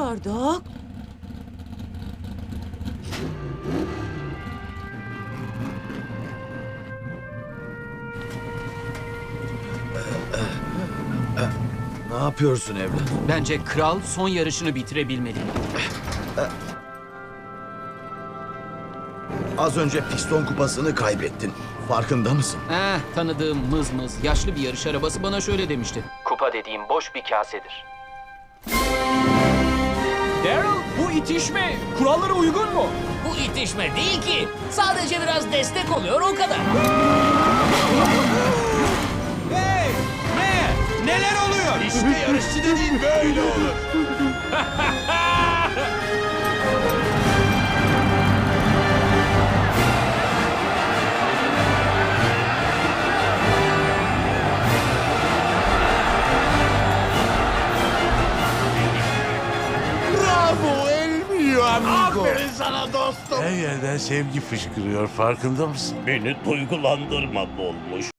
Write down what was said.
başardık. Ne yapıyorsun evlat? Bence kral son yarışını bitirebilmeli. Az önce piston kupasını kaybettin. Farkında mısın? Tanıdığım mız yaşlı bir yarış arabası bana şöyle demişti. Kupa dediğim boş bir kasedir. Daryl, bu itişme kurallara uygun mu? Bu itişme değil ki. Sadece biraz destek oluyor o kadar. Hey! Ne? Neler oluyor? İşte yarışçı dediğin böyle olur. Bravo el mio amigo. Aferin sana dostum. Her yerden sevgi fışkırıyor, farkında mısın? Beni duygulandırma Dolmuş.